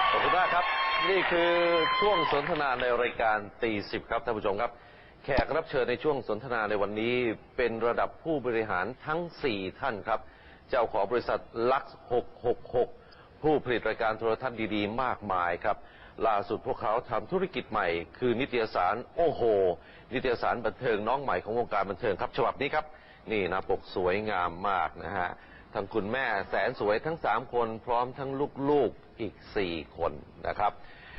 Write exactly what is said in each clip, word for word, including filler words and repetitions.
ขอบคุณมากครับนี่คือช่วงสนทนาในรายการตีสิบครับท่านผู้ชมครับแขกรับเชิญในช่วงสนทนาในวันนี้เป็นระดับผู้บริหารทั้งสี่ท่านครับเจ้าของบริษัทลักซ์หกหกหกผู้ผลิตรายการโทรทัศน์ดีๆมากมายครับล่าสุดพวกเขาทำธุรกิจใหม่คือนิตยสารโอ้โหนิตยสารบันเทิงน้องใหม่ของวงการบันเทิงครับฉบับนี้ครับนี่หน้าปกสวยงามมากนะฮะทั้งคุณแม่แสนสวยทั้งสามคนพร้อมทั้งลูกๆอีกสี่คนนะครับ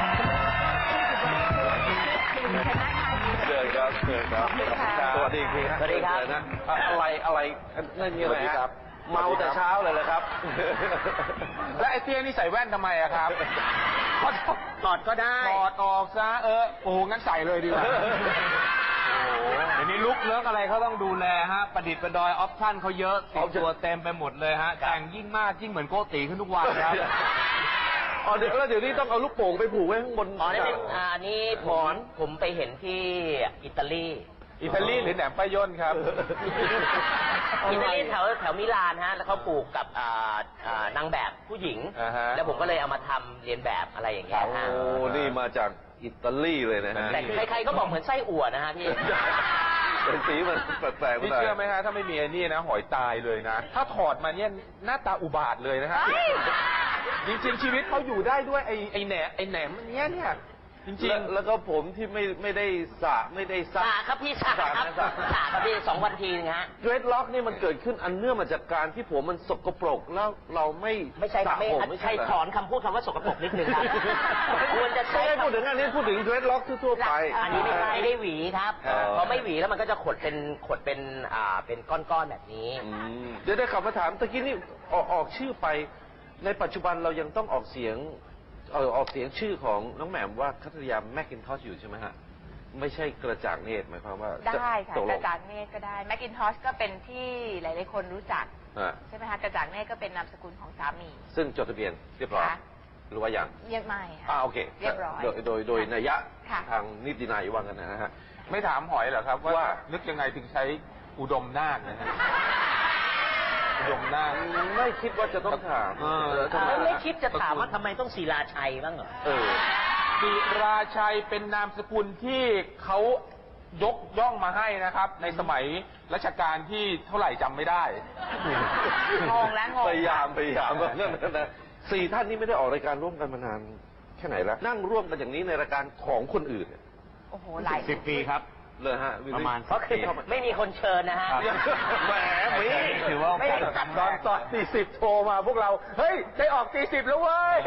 เชิญครับเชิญครับสวัสดีครับสวัสดีครับนะอะไรอะไรนั่นนี่อะไรครับเมาแต่เช้าเลยเหรอครับและไอ้เตี้ยนี่ใส่แว่นทำไมอะครับถอดก็ได้ถอดออกซะเออโอ้งั้นใส่เลยดีกว่าเดี๋ยวนี้ลุกเลิกอะไรเขาต้องดูแลฮะประดิษฐ์ประดอยออปชั่นเขาเยอะติดตัวเต็มไปหมดเลยฮะแต่งยิ่งมากยิ่งเหมือนโกติขึ้นทุกวันครับอ๋อเดี๋ยวแล้วเดี๋ยวนี้ต้องเอาลูกโป่งไปผูกไว้ข้างบนอ๋อนี่เป็นอันนี้หมอนผมไปเห็นที่อิตาลีอิตาลีหรือแหนมป้ายย่นครับอิตาลีแถวแถวมิลานฮะแล้วเขาปลูกกับนางแบบผู้หญิงแล้วผมก็เลยเอามาทำเรียนแบบอะไรอย่างเงี้ยฮะโอ้นี่มาจากอิตาลีเลยนะฮะแต่ใครๆก็บอกเหมือนไส้อั่วนะฮะพี่เป็นสีมันแปลกๆพี่เชื่อไหมฮะถ้าไม่มีไอ้นี่นะหอยตายเลยนะถ้าถอดมาเนี่ยหน้าตาอุบาทเลยนะฮะจริงๆชีวิตเขาอยู่ได้ด้วยไอ้ไอ้แหนไอ้แหนมเนี้ยเนี่ยจริงๆแล้วก็ผมที่ไม่ไม่ได้สระไม่ได้ซักสระครับพี่สระครับสระครับพี่สองวันทีนะฮะเดรดล็อกนี่มันเกิดขึ้นอันเนื่องมาจากการที่ผมมันสกปรกแล้วเราไม่ไม่ใช่ไม่ใช่ถอนคำพูดคำว่าสกปรกนิดนึงครับควรจะใช้พูดถึงอันนี้พูดถึงเดรดล็อกทั่วไปอันนี้ไม่ไม่ได้หวีครับพอไม่หวีแล้วมันก็จะขดเป็นขดเป็นอ่าเป็นก้อนๆแบบนี้เดี๋ยวได้ขับมาถามตะกี้นี่ออกออกชื่อไปในปัจจุบันเรายังต้องออกเสียงเออออกเสียงชื่อของน้องแหม่มว่าคัตยาแมคกินทอชอยู่ใช่ไหมฮะไม่ใช่กระจ่างเนตรหมายความว่าได้ค่ะกระจ่างเนตรก็ได้แมคกินทอชก็เป็นที่หลายๆคนรู้จักใช่ไหมคะกระจ่างเนตรก็เป็นนามสกุลของสามีซึ่งจดทะเบียนเรียบร้อยหรือว่าอย่างยังไม่ค่ะอ่าโอเคเรียบร้อยโดยโดยโดยนัยยะทางนิตินัยว่ากันนะฮะไม่ถามหอยเหรอครับว่านึกยังไงถึงใช้อุดมนาคนะฮะอุดมนาคไม่คิดว่าจะต้องถามไม่คิดจะถามว่าทำไมต้องศิลาชัยบ้างเหรอเออศิราชัยเป็นนามสกุลที่เขายกย่องมาให้นะครับในสมัยรัชกาลที่เท่าไหร่จำไม่ได้งงแล้วงงพยายามพยายามนั่นนะสี่ท่านนี้ไม่ได้ออกรายการร่วมกันมานานแค่ไหนแล้วนั่งร่วมกันอย่างนี้ในรายการของคนอื่นโอ้โหหลายสิบปีครับเลยฮะประมาณเพราะคือไม่มีคนเชิญนะฮะแหมมีถือว่าไม่ตอนตอนตีสิบโทรมาพวกเราเฮ้ยได้ออกตีสิบแล้วเว้ย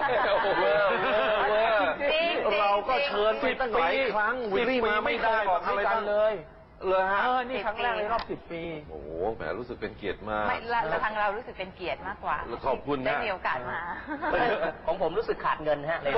เราก็เชิญไปตั้งหลายครั้งวิลลี่มาไม่ได้ออกอะไรกันเลยเลยฮะนี่ครั้งแรกในรอบสิบปีโอ้โหแหมรู้สึกเป็นเกียรติมากไม่ละทางเรารู้สึกเป็นเกียรติมากกว่าขอบคุณนะได้มีโอกาสมาของผมรู้สึกขาดเงินฮะเลย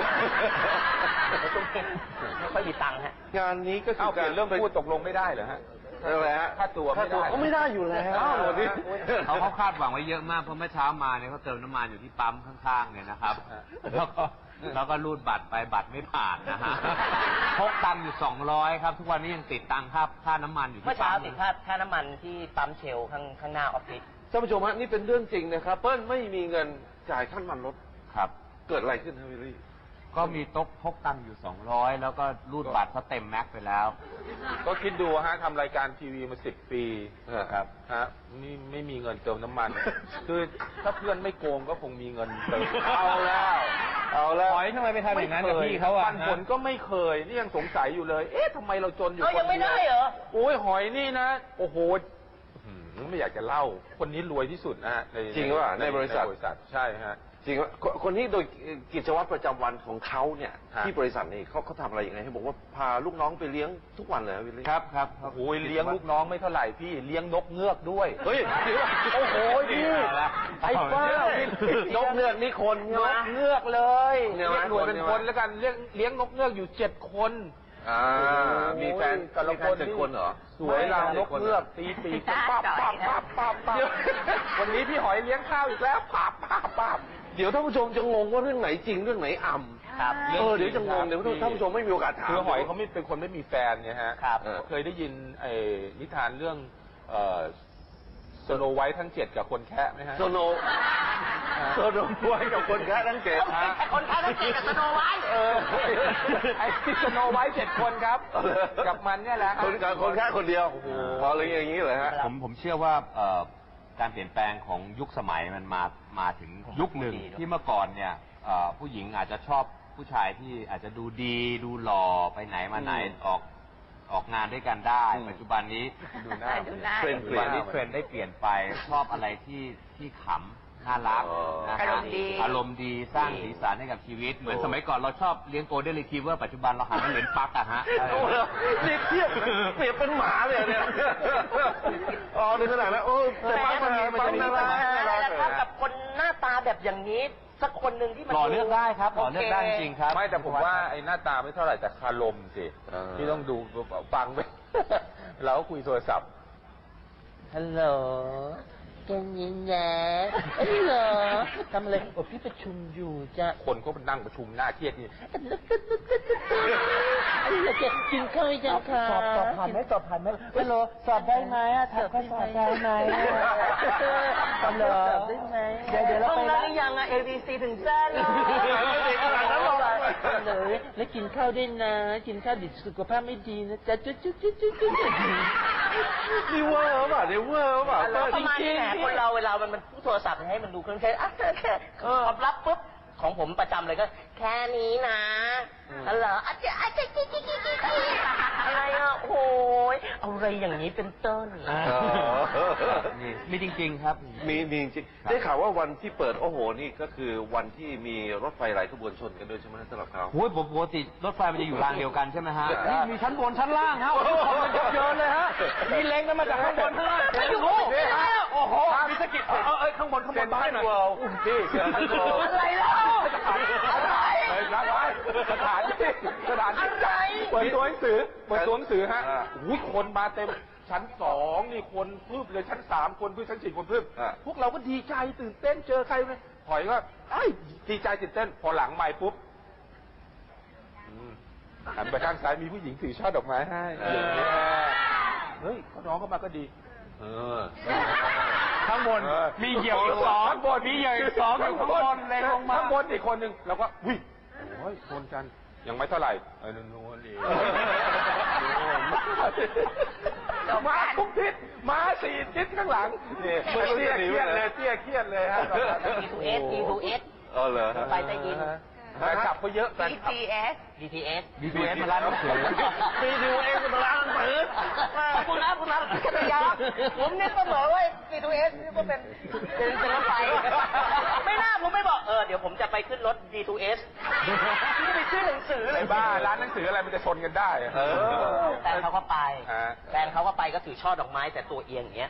ไม่ค่อยมีตังค์ฮะงานนี้ก็คือการเรื่องพูดตกลงไม่ได้เหรอฮะอะไรฮะค่าตัวไม่ได้ก็ไม่ได้อยู่แล้วเขาเขาคาดหวังไว้เยอะมากเพราะเมื่อเช้ามาเนี่ยเขาเติมน้ำมันอยู่ที่ปั๊มข้างๆเนี่ยนะครับแล้วก็แล้วก็รูดบัตรไปบัตรไม่ผ่านนะฮะพกตังค์อยู่สองร้อยครับทุกวันนี้ยังติดตังค่าค่าน้ำมันอยู่ที่ปั๊มเมื่อเช้าติดค่าค่าน้ำมันที่ปั๊มเชลข้างข้างหน้าออฟฟิศท่านผู้ชมฮะนี่เป็นเรื่องจริงนะครับเปิ้ลไม่มีเงินจ่ายค่าน้ำมันรถครับเกิดอะไรขึ้นครับวิลลี่ก็มีโต๊ะพกตังค์อยู่สองร้อยแล้วก็รูดบัตรเขาเต็มแม็กไปแล้วก็คิดดูฮะทำรายการทีวีมาสิบปีครับฮะนี่ไม่มีเงินเติมน้ำมันคือถ้าเพื่อนไม่โกงก็คงมีเงินเติมเอาแล้วเอาแล้วหอยทำไมไปทำอย่างนั้นกับพี่เขาอ่ะปันผลก็ไม่เคยนี่ยังสงสัยอยู่เลยเอ๊ะทำไมเราจนอยู่คนเดียวยังไม่ได้เหรอโอ้ยหอยนี่นะโอ้โหไม่อยากจะเล่าคนนี้รวยที่สุดนะฮะจริงว่าในบริษัทใช่ฮะจริงว่าคนนี้โดยกิจวัตรประจำวันของเขาเนี่ยที่บริษัทนี่เขาเขาทำอะไรอย่างไรให้บอกว่าพาลูกน้องไปเลี้ยงทุกวันเลยวิลลี่ครับครับโอ้ยเลี้ยงลูกน้องไม่เท่าไหร่พี่เลี้ยงนกเงือกด้วยเฮ้ยโอ้โหพี่ไอ้บ้านกเงือกนี่คนนกเงือกเลยเรียกหน่วยเป็นคนแล้วกันเลี้ยงเลี้ยงนกเงือกอยู่เจ็ดคนอ่ามีแฟนแต่ละคนเจ็ดคนเหรอสวยรางนกเงือกตีปีกปั๊บปั๊บปั๊บปั๊บปั๊บวันนี้พี่หอยเลี้ยงข้าวอีกแล้วปั๊บปั๊บปั๊บเดี๋ยวท่านผู้ชมจะงงว่าเรื่องไหนจริงเรื่องไหนอ่ำครับเออเดี๋ยวจะงงเดี๋ยวท่านผู้ชมไม่มีโอกาสถามคือหอยเขาไม่เป็นคนไม่มีแฟนเนี่ยฮะเคยได้ยินไอ้นิทานเรื่องสโนไวท์ทั้งเจ็ดกับคนแคะไหมฮะโซโนโซโนไว้กับคนแค่ทั้งเจ็ดฮะคนค้าทั้งเจ็ดกับสโนไวท์เออไอ้ที่สโนไวท์เจ็ดคนครับ กับมันเนี่ยแหละคนกับคนแค่คนเดียวพอเลยอย่างนี้เลยฮะผมผมเชื่อว่าเอ่อการเปลี่ยนแปลงของยุคสมัยมันมามาถึงยุคหนึ่งที่เมื่อก่อนเนี่ยเอ่อผู้หญิงอาจจะชอบผู้ชายที่อาจจะดูดีดูหล่อไปไหนมาไหนออกออกงานด้วยกันได้อืมปัจจุบันนี้ดูหน้าดูหน้าเทรนด์ปัจจุบันนี้เทรนด์ได้เปลี่ยนไปชอบอะไรที่ที่ขำน่ารักอ๋อนะอาฮะรมณ์ดีอารมณ์ดีสร้างสีสันให้กับชีวิต เหมือนสมัยก่อนเราชอบเลี้ยงโกลเด้นรีทรีเวอร์ปัจจุบันเราหันมาเลี้ยงปักอะฮะโอ้โหนี่เทียบเปรียบเป็นหมาเลยเนี่ย อ๋อในขนาดนั้นโอ้แต่ปังมันมีปังน่ารักน่ารักแล้วครับกับคนหน้าตาแบบอย่างนี้ สักคนหนึ่งที่มันหล่อเลือกได้ครับหล่อเลือกได้จริงๆครับไม่แต่ผมว่าไอ้หน้าตาไม่เท่าไหร่แต่คารมสิเออที่ต้องดูฟังไป เราก็คุยโทรศัพท์ฮัลโหลแกยินแย่ฮัลโหลทำอะไรโอ้พี่ประชุมอยู่จ้ะคนก็นั่งประชุมหน้าเครียดนี่ไอ้เหี้ยแกกินข้าวยังคะสอบสอบผ่านไหมสอบผ่านไหมฮัลโหลสอบได้ไหมอะทำข้อสอบได้ไหมฮัลโหลสอบได้ไหมเดี๋ยวเดี๋ยวเราห้องไปนั้นละหรือยังอะ A B C ถึงแซ่เลย เลยแล้วกินข้าวด้วยนะ กินข้าวดิสุขภาพไม่ดีนะจ๊ะจุ๊จุ๊จุ๊จุ๊จุ๊จุ๊นี่เวอร์เปล่าเนี่ยเวอร์เปล่าแล้วประมาณนี้แหละคนเราเวลามันมันพูดโทรศัพท์ให้มันดูเครื่องใช้อ่ะแค่ความลับปุ๊บของผมประจำเลยก็ แค่นี้นะฮัลโหลอาจจะอาจจะจิ๊กจิ๊กจิ๊กจิ๊กอะไรอ่ะโอ้ยเอาอะไรอย่างนี้เป็นต้นอ่า มีมีจริง ๆ ครับมีมีจริงได้ข่าวว่าวันที่เปิดโอ้โหนี่ก็คือวันที่มีรถไฟหลายขบวนชนกันด้วยใช่ไหมสำหรับเขาโอ้ยปกติรถไฟมันจะอยู่รางเดียวกันใช่ไหมฮะใช่นี่มีชั้นบนชั้นล่างฮะโอ้โหของมันเยอะเลยฮะ มีเล้งกันมาจากข้างบนข้างล่างไม่อยู่โอ้โหไม่อยู่โอ้โหมีสะกิดเออเออข้างบนข้างบนบ้านหน่อยพี่เสือทั้งโลอะไรเล่าอะไรเฮ้ยรับไว้สถานที่สถานที่อะไรเปิดตัวหนังสือเปิดตัวหนังสือฮะอ่าอุ้ยคนมาเต็มชั้นสองนี่คนพึบเลยชั้นสามคนพึบชั้นสี่คนพึบอ่าพวกเราก็ดีใจตื่นเต้นเจอใครเลยถอยก็ไอ้ยดีใจตื่นเต้น พอหลังไม่ปุ๊บอืมหันไปข้างซ้ายมีผู้หญิงถือช่อดอกไม้ให้เออเฮ้ยเขาน้องเข้ามาก็ดีเออข้างบนเออมีเหยี่ยวอีกสองข้างบนมีเหยี่ยวอีกสองอยู่ข้างบนเลยลงมาข้างบนอีกคนหนึ่งเราก็อุ้ยโอ้ยชนกันยังไม่เท่าไหร่เออนู่นนู่นนี่มาทุกทิศมาสี่ทิศข้างหลังนี่เตี้ยเครียดเลยเตี้ยเครียดเลยฮะดี ทู เอส ดี ทู เอสเออเหรอไปใต้ดินแฟนคลับเขาเยอะแฟน B คลับ T S ดี ที เอสดีทีเอสมาร้านหนังสือดี ที เอสมาร้านหนังสือขอบคุณนะคุณนะกัตยาผมนึกเสมอว่าดี ทู เอสนี่ก็เป็นเป็นเป็นรถไฟไม่น่าผมไม่บอกเออเดี๋ยวผมจะไปขึ้นรถ ดี ทู เอส ที่จะไปซื้อหนังสือไอ้บ้าร้านหนังสืออะไรมันจะชนกันได้อะเออแฟนเขาก็ไปฮะแฟนเขาก็ไปก็ถือช่อดอกไม้แต่ตัวเอียงอย่างเงี้ย